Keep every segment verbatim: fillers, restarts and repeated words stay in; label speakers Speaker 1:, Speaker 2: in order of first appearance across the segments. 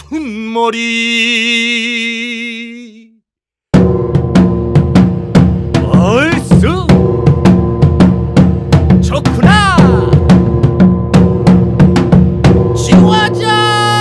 Speaker 1: 툰머리 얼쑤 좋구나 지화자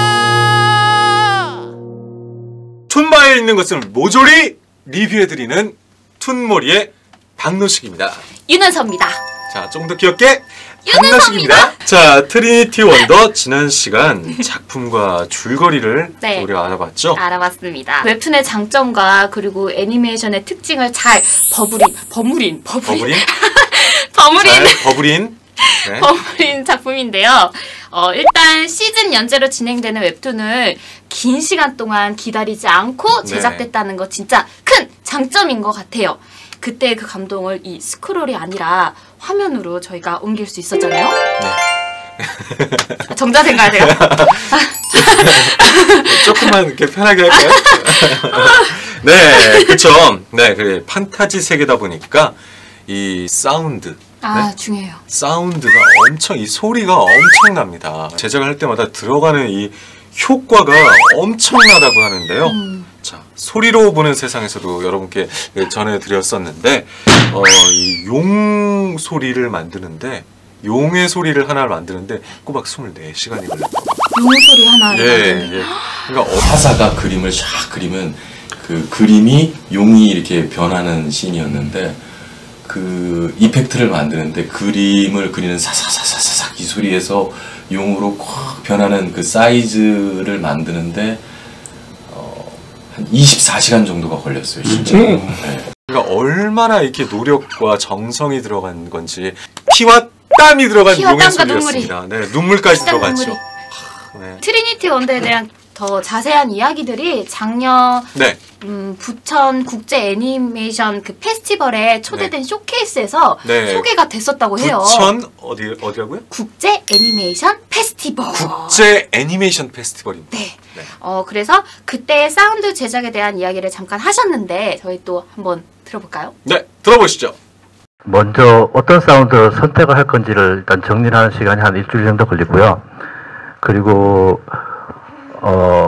Speaker 2: 툰바에 있는 것을 모조리 리뷰해드리는 툰머리의 박노식입니다.
Speaker 3: 윤은서입니다.
Speaker 2: 자, 조금 더 귀엽게
Speaker 3: 윤은서입니다.
Speaker 2: 박노식입니다. 자, 트리니티 원더 지난 시간 작품과 줄거리를
Speaker 3: 네.
Speaker 2: 우리가 알아봤죠?
Speaker 3: 알아봤습니다. 웹툰의 장점과 그리고 애니메이션의 특징을 잘 버무린 버무린 버무린
Speaker 2: 버블인?
Speaker 3: 버무린
Speaker 2: 잘 버블인? 네.
Speaker 3: 버무린 작품인데요. 어, 일단 시즌 연재로 진행되는 웹툰을 긴 시간 동안 기다리지 않고 제작됐다는 거 진짜 큰 장점인 것 같아요. 그때 그 감동을 이 스크롤이 아니라 화면으로 저희가 옮길 수 있었잖아요.
Speaker 2: 네.
Speaker 3: 정자 생각하세요?
Speaker 2: 조금만 이렇게 편하게 할까요? 네, 그쵸. 네, 그래. 판타지 세계다 보니까 이 사운드.
Speaker 3: 아,
Speaker 2: 네?
Speaker 3: 중요해요.
Speaker 2: 사운드가 엄청, 이 소리가 엄청납니다. 제작을 할 때마다 들어가는 이 효과가 엄청나다고 하는데요. 음. 자, 소리로 보는 세상에서도 여러분께 전해드렸었는데, 어, 이 용 소리를 만드는데, 용의 소리를 하나를 만드는데 꼬박 스물네 시간이 걸렸다.
Speaker 3: 용 소리 하나를
Speaker 2: 예,
Speaker 3: 만드는.
Speaker 2: 예. 그러니까 어,
Speaker 4: 화사가 그림을 샥 그리면 그 그림이 용이 이렇게 변하는 씬이었는데 그 이펙트를 만드는데 그림을 그리는 사사사사사삭 이 소리에서 용으로 콱 변하는 그 사이즈를 만드는데 어, 한 이십사 시간 정도가 걸렸어요, 진짜. 네.
Speaker 2: 그러니까 얼마나 이렇게 노력과 정성이 들어간 건지 피와 땀이 들어간
Speaker 3: 피와
Speaker 2: 용의
Speaker 3: 땀과
Speaker 2: 소리였습니다. 네, 눈물까지 들어갔죠.
Speaker 3: 눈물이.
Speaker 2: 하, 네.
Speaker 3: 트리니티 원더에 대한 더 자세한 이야기들이 작년
Speaker 2: 네.
Speaker 3: 음, 부천 국제 애니메이션 그 페스티벌에 초대된
Speaker 2: 네.
Speaker 3: 쇼케이스에서
Speaker 2: 네.
Speaker 3: 소개가 됐었다고 해요.
Speaker 2: 부천 어디 어디라고요?
Speaker 3: 국제 애니메이션 페스티벌.
Speaker 2: 국제 애니메이션 페스티벌입니다.
Speaker 3: 네.
Speaker 2: 네.
Speaker 3: 어 그래서 그때 사운드 제작에 대한 이야기를 잠깐 하셨는데 저희 또 한번 들어볼까요?
Speaker 2: 네, 들어보시죠.
Speaker 5: 먼저 어떤 사운드를 선택을 할 건지를 일단 정리를 하는 시간이 한 일주일 정도 걸리고요. 그리고 어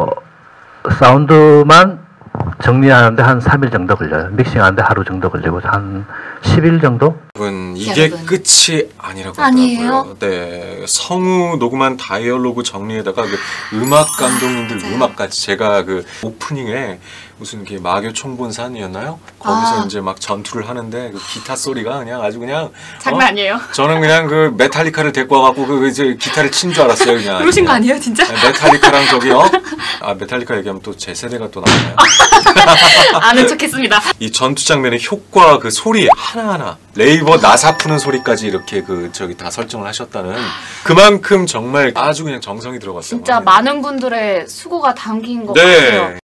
Speaker 5: 사운드만 정리하는데 한 삼 일 정도 걸려요. 믹싱하는데 하루 정도 걸리고 한 십 일 정도?
Speaker 2: 여러분, 이게
Speaker 3: 여러분.
Speaker 2: 끝이 아니라고
Speaker 3: 아니에요?
Speaker 2: 하더라고요. 네, 성우 녹음한 다이얼로그 정리에다가 그 음악 감독님들
Speaker 3: 아,
Speaker 2: 음악까지 제가 그 오프닝에 무슨 게 마교 총본산이었나요? 거기서
Speaker 3: 아.
Speaker 2: 이제 막 전투를 하는데 그 기타 소리가 그냥 아주 그냥
Speaker 3: 장난
Speaker 2: 어?
Speaker 3: 아니에요.
Speaker 2: 저는 그냥 그 메탈리카를 데리고 와갖고 그 이제 기타를 친 줄 알았어요, 그냥.
Speaker 3: 그러신 거 아니에요, 진짜?
Speaker 2: 네, 메탈리카랑 저기요. 아, 메탈리카 얘기하면 또 제 세대가 또 나오나요?
Speaker 3: 아는 척했습니다.
Speaker 2: 이 전투 장면의 효과, 그 소리 하나하나, 레이버 나사 푸는 소리까지 이렇게 그 저기 다 설정을 하셨다는, 그만큼 정말 아주 그냥 정성이 들어갔어요.
Speaker 3: 진짜 많은 분들의 수고가 담긴 것
Speaker 2: 네.
Speaker 3: 같아요.